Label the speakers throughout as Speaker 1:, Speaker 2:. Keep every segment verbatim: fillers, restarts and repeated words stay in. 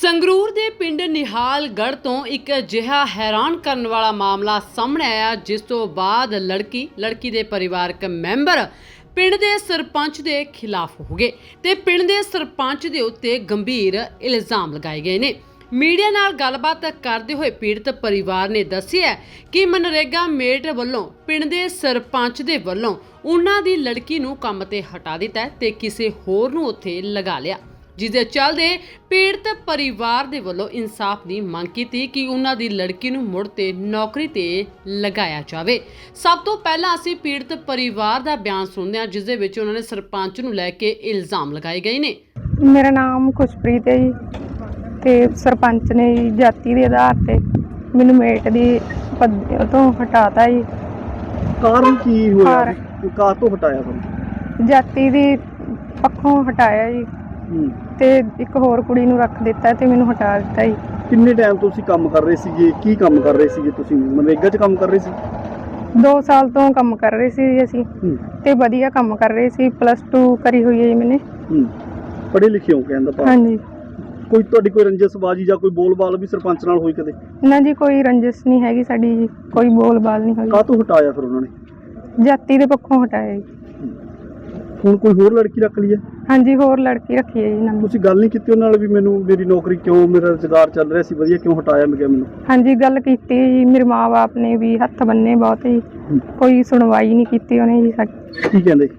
Speaker 1: ਸੰਗਰੂਰ ਦੇ ਪਿੰਡ ਨਿਹਾਲਗੜ੍ਹ ਤੋਂ ਇੱਕ ਅਜਿਹਾ ਹੈਰਾਨ ਕਰਨ ਵਾਲਾ ਮਾਮਲਾ ਸਾਹਮਣੇ ਆਇਆ, ਜਿਸ ਤੋਂ ਬਾਅਦ ਲੜਕੀ ਲੜਕੀ ਦੇ ਪਰਿਵਾਰਕ ਮੈਂਬਰ ਪਿੰਡ ਦੇ ਸਰਪੰਚ ਦੇ ਖਿਲਾਫ ਹੋ ਗਏ ਤੇ ਪਿੰਡ ਦੇ ਸਰਪੰਚ ਦੇ ਉੱਤੇ ਗੰਭੀਰ ਇਲਜ਼ਾਮ ਲਗਾਏ ਗਏ ਨੇ। ਮੀਡੀਆ ਨਾਲ ਗੱਲਬਾਤ ਕਰਦੇ ਹੋਏ ਪੀੜਤ ਪਰਿਵਾਰ ਨੇ ਦੱਸਿਆ ਕਿ ਮਨਰੇਗਾ ਮੇਟ ਵੱਲੋਂ ਪਿੰਡ ਦੇ ਸਰਪੰਚ ਦੇ ਵੱਲੋਂ ਉਹਨਾਂ ਦੀ ਲੜਕੀ ਨੂੰ ਕੰਮ ਤੇ ਹਟਾ ਦਿੱਤਾ ਤੇ ਕਿਸੇ ਹੋਰ ਨੂੰ ਉੱਥੇ ਲਗਾ ਲਿਆ, ਜਿਸ ਦੇ ਚੱਲਦੇ ਪੀੜਤ ਪਰਿਵਾਰ ਦੇ ਵੱਲੋਂ ਇਨਸਾਫ ਦੀ ਮੰਗ ਕੀਤੀ ਕਿ ਉਹਨਾਂ ਦੀ ਲੜਕੀ ਨੂੰ ਮੁੜ ਤੇ ਨੌਕਰੀ ਤੇ ਲਗਾਇਆ ਜਾਵੇ। ਸਭ ਤੋਂ ਪਹਿਲਾਂ ਅਸੀਂ ਪੀੜਤ ਪਰਿਵਾਰ ਦਾ ਬਿਆਨ ਸੁਣਦੇ ਹਾਂ, ਜਿਸ ਦੇ ਵਿੱਚ ਉਹਨਾਂ ਨੇ ਸਰਪੰਚ ਨੂੰ ਲੈ ਕੇ ਇਲਜ਼ਾਮ ਲਗਾਏ ਗਏ ਨੇ।
Speaker 2: ਮੇਰਾ ਨਾਮ ਖੁਸ਼ਪ੍ਰੀਤ ਹੈ ਜੀ ਤੇ ਸਰਪੰਚ ਨੇ ਜਾਤੀ ਦੇ ਆਧਾਰ ਤੇ ਮੈਨੂੰ ਮੇਟ ਦੀ ਪਦ ਤੋਂ ਹਟਾਤਾ ਜੀ।
Speaker 3: ਕਾਰਨ ਕੀ ਹੋਇਆ? ਕਾਰ ਤੋਂ ਹਟਾਇਆ ਤੁਹਾਨੂੰ?
Speaker 2: ਜਾਤੀ ਦੀ ਪੱਖੋਂ ਹਟਾਇਆ ਜੀ ਤੇ ਇੱਕ ਹੋਰ ਕੁੜੀ ਨੂੰ ਰੱਖ ਦਿੱਤਾ ਤੇ ਮੈਨੂੰ ਹਟਾ ਦਿੱਤਾ ਜੀ।
Speaker 3: ਕਿੰਨੇ ਟਾਈਮ ਤੋਂ ਤੁਸੀਂ ਕੰਮ ਕਰ ਰਹੇ ਸੀਗੇ? ਕੀ ਕੰਮ ਕਰ ਰਹੇ ਸੀਗੇ ਤੁਸੀਂ? ਮਨਰੇਗਾ 'ਚ ਕੰਮ ਕਰ ਰਹੇ ਸੀ?
Speaker 2: ਦੋ ਸਾਲ ਤੋਂ ਕੰਮ ਕਰ ਰਹੇ ਸੀ ਅਸੀਂ ਤੇ ਵਧੀਆ ਕੰਮ ਕਰ ਰਹੇ ਸੀ। ਪਲੱਸ ਟੂ ਕਰੀ ਹੋਈ ਹੈ ਜੀ ਮੈਨੇ।
Speaker 3: ਪੜ੍ਹੇ ਲਿਖੇ ਹੋ ਕਹਿੰਦਾ ਭਾਵ?
Speaker 2: ਹਾਂਜੀ।
Speaker 3: ਕੋਈ ਤੁਹਾਡੀ ਕੋਈ ਰੰਜਸਬਾਜੀ ਜਾਂ ਕੋਈ ਬੋਲਬਾਲ ਵੀ ਸਰਪੰਚ ਨਾਲ ਹੋਈ ਕਦੇ?
Speaker 2: ਨਾ ਜੀ, ਕੋਈ ਰੰਜਿਸ਼ ਨਹੀਂ ਹੈਗੀ ਸਾਡੀ ਜੀ, ਕੋਈ ਬੋਲਬਾਲ ਨਹੀਂ ਹੋਈ।
Speaker 3: ਕਾਹ ਤੋਂ ਹਟਾਇਆ ਫਿਰ ਉਹਨਾਂ ਨੇ?
Speaker 2: ਜਾਤੀ ਦੇ ਪੱਖੋਂ ਹਟਾਇਆ ਜੀ।
Speaker 3: ਹੁਣ ਕੋਈ ਹੋਰ ਲੜਕੀ ਰੱਖ ਲਈ ਹੈ?
Speaker 2: ਹਾਂਜੀ, ਹੋਰ ਲੜਕੀ ਰੱਖੀ ਹੈ ਜੀ ਨਵੀਂ।
Speaker 3: ਤੁਸੀਂ ਗੱਲ ਨਹੀਂ ਕੀਤੀ ਉਹਨਾਂ ਨਾਲ ਵੀ ਮੈਨੂੰ ਮੇਰੀ ਨੌਕਰੀ ਕਿਉਂ, ਮੇਰਾ ਰੁਜ਼ਗਾਰ ਚੱਲ ਰਿਹਾ ਸੀ ਵਧੀਆ, ਕਿਉਂ ਹਟਾਇਆ ਮੈਂ ਕਿਹਾ ਮੈਨੂੰ?
Speaker 2: ਹਾਂਜੀ, ਗੱਲ ਕੀਤੀ ਜੀ। ਮੇਰੇ ਮਾਂ-ਬਾਪ ਨੇ ਵੀ ਹੱਥ ਬੰਨੇ ਬਹੁਤ ਜੀ, ਕੋਈ ਸੁਣਵਾਈ ਨਹੀਂ ਕੀਤੀ ਉਹਨੇ ਜੀ ਸਾਡੀ।
Speaker 3: ਕੀ ਕਹਿੰਦੇ?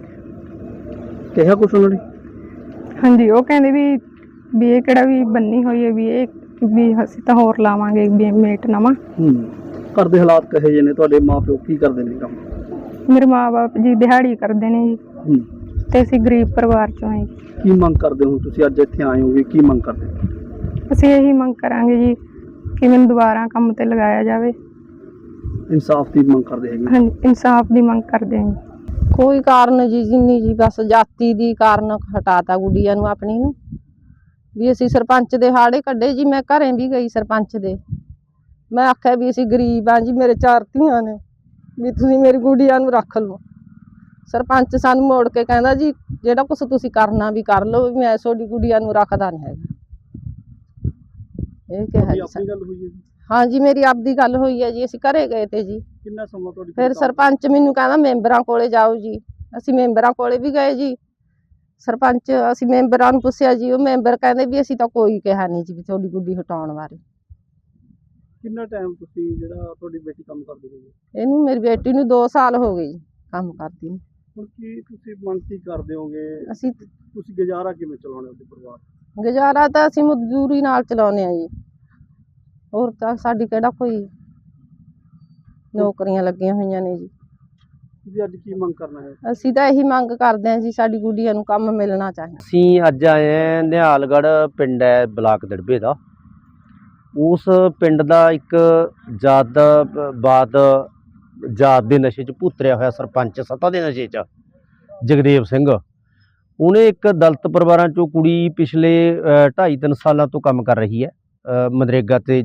Speaker 3: ਕਿਹਾ ਕੁਛ ਉਹਨਾਂ ਨੇ? ਹਾਂਜੀ,
Speaker 2: ਉਹ ਕਹਿੰਦੇ ਵੀ ਵੀ ਇਹ ਕਿਹੜਾ ਵੀ ਬੰਨੀ ਹੋਈ ਹੈ, ਵੀ ਇਹ ਵੀ ਅਸੀਂ ਤਾਂ ਹੋਰ ਲਾਵਾਂਗੇ ਵੀ ਮੇਟ ਨਵਾਂ।
Speaker 3: ਹੂੰ ਘਰ ਦੇ ਹਾਲਾਤ ਕਹੇ ਜਿਹੇ ਨੇ? ਤੁਹਾਡੇ ਮਾਂ-ਪਿਓ ਕੀ ਕਰਦੇ ਨੇ ਕੰਮ?
Speaker 2: ਮੇਰੇ ਮਾਂ-ਬਾਪ ਜੀ ਦਿਹਾੜੀ ਕਰਦੇ ਨੇ ਜੀ
Speaker 3: ਹੂੰ
Speaker 2: ਤੇ ਅਸੀਂ ਗਰੀਬ ਪਰਿਵਾਰ ਚੋਂ ਹਾਂ ਜੀ।
Speaker 3: ਕੀ ਮੰਗ ਕਰਦੇ ਹੋ ਤੁਸੀਂ? ਅੱਜ ਇੱਥੇ ਆਏ ਹੋਗੇ, ਕੀ ਮੰਗ ਕਰਦੇ?
Speaker 2: ਅਸੀਂ ਇਹੀ ਮੰਗ ਕਰਾਂਗੇ ਜੀ ਕਿ ਮੈਨੂੰ ਦੁਬਾਰਾ ਕੰਮ ਤੇ ਲਗਾਇਆ ਜਾਵੇ।
Speaker 3: ਇਨਸਾਫ ਦੀ ਮੰਗ ਕਰਦੇ ਹੈਗੇ?
Speaker 2: ਹਾਂਜੀ, ਇਨਸਾਫ ਦੀ ਮੰਗ ਕਰਦੇ ਹਾਂ ਜੀ।
Speaker 4: ਕੋਈ ਕਾਰਨ ਜੀ ਜਿੰਨੀ ਜੀ ਬਸ ਜਾਤੀ ਦੀ ਕਾਰਨ ਹਟਾਤਾ ਗੁੱਡੀਆਂ ਨੂੰ ਆਪਣੀ ਨੂੰ ਵੀ। ਅਸੀਂ ਸਰਪੰਚ ਦੇ ਹਾੜੇ ਕੱਢੇ ਜੀ। ਮੈਂ ਘਰੇ ਵੀ ਗਈ ਸਰਪੰਚ ਦੇ, ਮੈਂ ਆਖਿਆ ਵੀ ਅਸੀਂ ਗਰੀਬ ਆ ਜੀ, ਮੇਰੇ ਚਾਰ ਧੀਆਂ ਨੇ, ਵੀ ਤੁਸੀਂ ਮੇਰੀ ਗੁੱਡੀਆਂ ਨੂੰ ਰੱਖ ਲਓ। ਸਰਪੰਚ ਸਾਨੂੰ ਮੋੜ ਕੇ ਕਹਿੰਦਾ ਜੀ ਜਿਹੜਾ ਕੁਛ ਤੁਸੀਂ ਕਰਨਾ ਵੀ ਕਰ ਲਓ, ਵੀ ਮੈਂ ਤੁਹਾਡੀ ਗੁੱਡੀਆਂ ਨੂੰ ਰੱਖਦਾ ਨਹੀਂ ਹੈਗਾ। ਇਹ ਕਿਹਾ ਜੀ।
Speaker 3: ਆਪਣੀ ਗੱਲ ਹੋਈ ਹੈ ਜੀ?
Speaker 4: ਹਾਂ ਜੀ, ਮੇਰੀ ਆਪਦੀ ਗੱਲ ਹੋਈ ਹੈ ਜੀ। ਅਸੀਂ ਘਰੇ ਗਏ ਤੇ ਜੀ।
Speaker 3: ਕਿੰਨਾ ਸਮਾਂ ਤੁਹਾਡੀ?
Speaker 4: ਫਿਰ ਸਰਪੰਚ ਮੈਨੂੰ ਕਹਿੰਦਾ ਮੈਂਬਰਾਂ ਕੋਲੇ ਜਾਓ ਜੀ। ਅਸੀਂ ਮੈਂਬਰਾਂ ਕੋਲੇ ਵੀ ਗਏ ਜੀ। ਸਰਪੰਚ ਅਸੀਂ ਮੈਂਬਰਾਂ ਨੂੰ ਪੁੱਛਿਆ ਜੀ, ਉਹ ਮੈਂਬਰ ਕਹਿੰਦੇ ਵੀ ਅਸੀਂ ਤਾਂ ਕੋਈ ਕਿਹਾ ਨਹੀਂ ਜੀ ਵੀ ਤੁਹਾਡੀ ਗੁੱਡੀ ਹਟਾਉਣ ਬਾਰੇ।
Speaker 3: ਕਿੰਨਾ ਟਾਈਮ ਤੁਸੀਂ ਜਿਹੜਾ ਤੁਹਾਡੀ ਬੇਟੀ ਕੰਮ ਕਰਦੀ ਰਹੀ?
Speaker 4: ਇਹਨੂੰ ਮੇਰੀ ਬੇਟੀ ਨੂੰ ਦੋ ਸਾਲ ਹੋ ਗਏ ਜੀ ਕੰਮ ਕਰਦੀ ਨੂੰ।
Speaker 3: ਹੁਣ ਕੀ ਤੁਸੀਂ ਮੰਗ ਕੀ ਕਰਦੇ ਹੋਗੇ?
Speaker 4: ਅਸੀਂ
Speaker 3: ਤੁਸੀਂ ਗੁਜ਼ਾਰਾ ਕਿਵੇਂ ਚਲਾਉਣੇ ਆਪਣੇ ਪਰਿਵਾਰ?
Speaker 4: ਗੁਜ਼ਾਰਾ ਤਾਂ ਅਸੀਂ ਮਜ਼ਦੂਰੀ ਨਾਲ ਚਲਾਉਂਦੇ ਹਾਂ ਜੀ, ਹੋਰ ਤਾਂ ਸਾਡੀ ਕਿਹੜਾ ਕੋਈ ਨੌਕਰੀਆਂ ਲੱਗੀਆਂ ਹੋਈਆਂ ਨੇ ਜੀ।
Speaker 3: ਤੁਸੀਂ ਅੱਜ ਕੀ ਮੰਗ ਕਰਨਾ ਹੈ?
Speaker 4: ਅਸੀਂ ਤਾਂ ਇਹੀ ਮੰਗ ਕਰਦੇ ਹਾਂ ਜੀ, ਸਾਡੀ ਗੁੱਡੀਆਂ ਨੂੰ ਕੰਮ ਮਿਲਣਾ ਚਾਹੀਦਾ।
Speaker 5: ਅਸੀਂ ਅੱਜ ਆਏ ਹਾਂ ਨਿਹਾਲਗੜ੍ਹ ਪਿੰਡ ਹੈ ਬਲਾਕ ਦੜਬੇ ਦਾ। ਉਸ ਪਿੰਡ ਦਾ ਇੱਕ ਜਾਤਵਾਦ ਜਾਤ ਦੇ ਨਸ਼ੇ 'ਚ ਭੁੱਤਰਿਆ ਹੋਇਆ ਸਰਪੰਚ, ਸੱਤਾ ਦੇ ਨਸ਼ੇ 'ਚ, ਜਗਦੇਵ ਸਿੰਘ, ਉਹਨੇ ਇੱਕ ਦਲਿਤ ਪਰਿਵਾਰਾਂ 'ਚੋਂ ਕੁੜੀ ਪਿਛਲੇ ਢਾਈ ਤਿੰਨ ਸਾਲਾਂ ਤੋਂ ਕੰਮ ਕਰ ਰਹੀ ਹੈ ਮਨਰੇਗਾ ਤੇ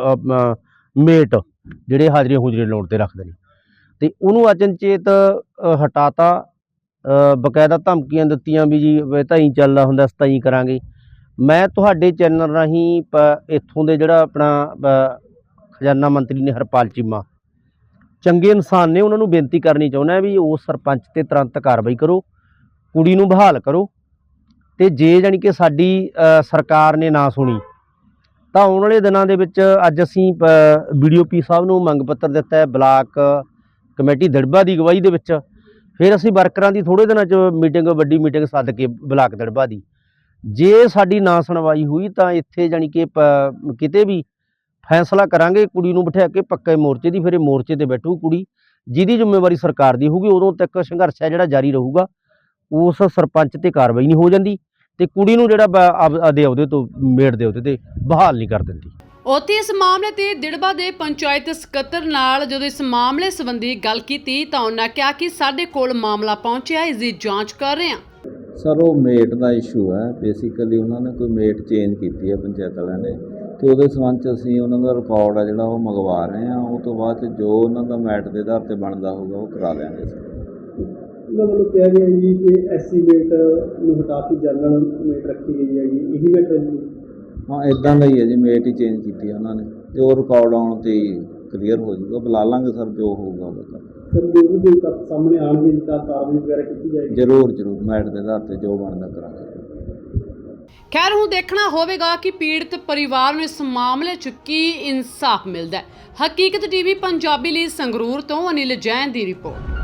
Speaker 5: ਮੇਟ, ਜਿਹੜੇ ਹਾਜ਼ਰੀਆਂ ਹੂਜਰੀਆਂ ਲਾਉਣ 'ਤੇ ਰੱਖਦੇ ਨੇ, ਅਤੇ ਉਹਨੂੰ ਅਚਨਚੇਤ ਹਟਾਤਾ। ਬਕਾਇਦਾ ਧਮਕੀਆਂ ਦਿੱਤੀਆਂ ਵੀ ਜੀ ਤਾਂ ਹੀ ਚੱਲਦਾ ਹੁੰਦਾ, ਅਸੀਂ ਤਾਂ ਹੀ ਕਰਾਂਗੇ। ਮੈਂ ਤੁਹਾਡੇ ਚੈਨਲ ਰਾਹੀਂ ਪ ਇੱਥੋਂ ਦੇ ਜਿਹੜਾ ਆਪਣਾ ਖਜ਼ਾਨਾ ਮੰਤਰੀ ਨੇ ਹਰਪਾਲ ਚੀਮਾ, ਚੰਗੇ ਇਨਸਾਨ ਨੇ, ਉਹਨਾਂ ਨੂੰ ਬੇਨਤੀ ਕਰਨੀ ਚਾਹੁੰਦਾ ਵੀ ਉਸ ਸਰਪੰਚ 'ਤੇ ਤੁਰੰਤ ਕਾਰਵਾਈ ਕਰੋ, ਕੁੜੀ ਨੂੰ ਬਹਾਲ ਕਰੋ। ਅਤੇ ਜੇ ਜਾਣੀ ਕਿ ਸਾਡੀ ਸਰਕਾਰ ਨੇ ਨਾ ਸੁਣੀ ਤਾਂ ਆਉਣ ਵਾਲੇ ਦਿਨਾਂ ਦੇ ਵਿੱਚ ਅੱਜ ਅਸੀਂ ਬੀ ਡੀ ਓ ਪੀ ਸਾਹਿਬ ਨੂੰ ਮੰਗ ਪੱਤਰ ਦਿੱਤਾ ਹੈ, ਬਲਾਕ ਕਮੇਟੀ ਦੜਬਾ ਦੀ ਅਗਵਾਈ ਦੇ ਵਿੱਚ। ਫਿਰ ਅਸੀਂ ਵਰਕਰਾਂ ਦੀ ਥੋੜ੍ਹੇ ਦਿਨਾਂ 'ਚ ਮੀਟਿੰਗ, ਵੱਡੀ ਮੀਟਿੰਗ ਸੱਦ ਕੇ ਬਲਾਕ ਦੜਬਾ ਦੀ, ਜੇ ਸਾਡੀ ਨਾ ਸੁਣਵਾਈ ਹੋਈ ਤਾਂ ਇੱਥੇ ਜਾਣੀ ਕਿ ਪ ਕਿਤੇ ਵੀ ਫੈਸਲਾ ਕਰਾਂਗੇ ਕੁੜੀ ਨੂੰ ਬਿਠਾ ਕੇ ਪੱਕੇ ਮੋਰਚੇ ਦੀ। ਫਿਰ ਇਹ ਮੋਰਚੇ 'ਤੇ ਬੈਠੂ ਕੁੜੀ, ਜਿਹਦੀ ਜ਼ਿੰਮੇਵਾਰੀ ਸਰਕਾਰ ਦੀ ਹੋਊਗੀ। ਉਦੋਂ ਤੱਕ ਸੰਘਰਸ਼ ਹੈ ਜਿਹੜਾ ਜਾਰੀ ਰਹੂਗਾ। ਉਸ ਸਰਪੰਚ 'ਤੇ ਕਾਰਵਾਈ ਨਹੀਂ ਹੋ ਜਾਂਦੀ ਅਤੇ ਕੁੜੀ ਨੂੰ ਜਿਹੜਾ ਆਪਦੇ ਅਹੁਦੇ ਤੋਂ, ਮੇਟ ਦੇ ਅਹੁਦੇ 'ਤੇ ਬਹਾਲ ਨਹੀਂ ਕਰ ਦਿੰਦੀ।
Speaker 1: ਉੱਥੇ ਇਸ ਮਾਮਲੇ ਤੇ ਦਿੜਬਾ ਦੇ ਪੰਚਾਇਤ ਸਕੱਤਰ ਨਾਲ ਜਦੋਂ ਇਸ ਮਾਮਲੇ ਸੰਬੰਧੀ ਗੱਲ ਕੀਤੀ ਤਾਂ ਉਹਨਾਂ ਕਿਹਾ ਕਿ ਸਾਡੇ ਕੋਲ ਮਾਮਲਾ ਪਹੁੰਚਿਆ, ਇਸ ਦੀ ਜਾਂਚ ਕਰ ਰਹੇ ਹਾਂ।
Speaker 6: ਸਰ, ਉਹ ਮੇਟ ਦਾ ਇਸ਼ੂ ਹੈ। ਬੇਸਿਕਲੀ ਉਹਨਾਂ ਨੇ ਕੋਈ ਮੇਟ ਚੇਂਜ ਕੀਤੀ ਹੈ ਪੰਚਾਇਤ ਵਾਲਿਆਂ ਨੇ, ਅਤੇ ਉਹਦੇ ਸੰਬੰਧ 'ਚ ਅਸੀਂ ਉਹਨਾਂ ਦਾ ਰਿਕਾਰਡ ਆ ਜਿਹੜਾ ਉਹ ਮੰਗਵਾ ਰਹੇ ਹਾਂ। ਉਹ ਤੋਂ ਬਾਅਦ 'ਚ ਜੋ ਉਹਨਾਂ ਦਾ ਮੈਟ ਦੇ ਆਧਾਰ 'ਤੇ ਬਣਦਾ ਹੋਊਗਾ ਉਹ ਕਰਾ ਦਿਆਂਗੇ।
Speaker 3: ਉਹਨਾਂ ਵੱਲੋਂ ਕਿਹਾ ਗਿਆ ਜੀ ਕਿ ਐਸ ਸੀ ਮੇਟ ਨੂੰ ਹਟਾ ਕੇ ਜਨਰਲ ਮੇਟ ਰੱਖੀ ਗਈ ਹੈਗੀ, ਇਹੀ ਮੇਟ ਹੈ ਜੀ?
Speaker 6: ਹਾਂ ਇਦਾਂ ਦਾ ਹੀ ਹੈ ਜੀ, ਮੇਟ ਹੀ ਚੇਂਜ ਕੀਤੀ ਹੈ ਉਹਨਾਂ ਨੇ ਤੇ ਉਹ ਰਿਕਾਰਡ ਆਉਣ ਤੇ ਕਲੀਅਰ ਹੋ ਜਾਊਗਾ। ਬੁਲਾ ਲਾਂਗੇ ਸਰ, ਜੋ ਹੋਊਗਾ ਉਹਦਾ
Speaker 3: ਸਰ ਜੇ ਵੀ ਕੋਈ ਤੱਥ ਸਾਹਮਣੇ ਆਉਣਗੇ ਤਾਂ ਕਾਰਵਾਈ ਵਗੈਰਾ ਕੀਤੀ ਜਾਏਗੀ।
Speaker 6: ਜ਼ਰੂਰ ਜ਼ਰੂਰ ਮੈਟ ਦੇ ਆਧਾਰ ਤੇ ਜੋ ਬਣਦਾ ਕਰਾਂਗੇ।
Speaker 1: ਖੈਰ ਹੁਣ ਦੇਖਣਾ ਹੋਵੇਗਾ ਕਿ ਪੀੜਤ ਪਰਿਵਾਰ ਨੂੰ ਇਸ ਮਾਮਲੇ 'ਚ ਕੀ ਇਨਸਾਫ ਮਿਲਦਾ ਹੈ। ਹਕੀਕਤ ਟੀਵੀ ਪੰਜਾਬੀ ਲਈ ਸੰਗਰੂਰ ਤੋਂ ਅਨਿਲ ਜੈਨ ਦੀ ਰਿਪੋਰਟ।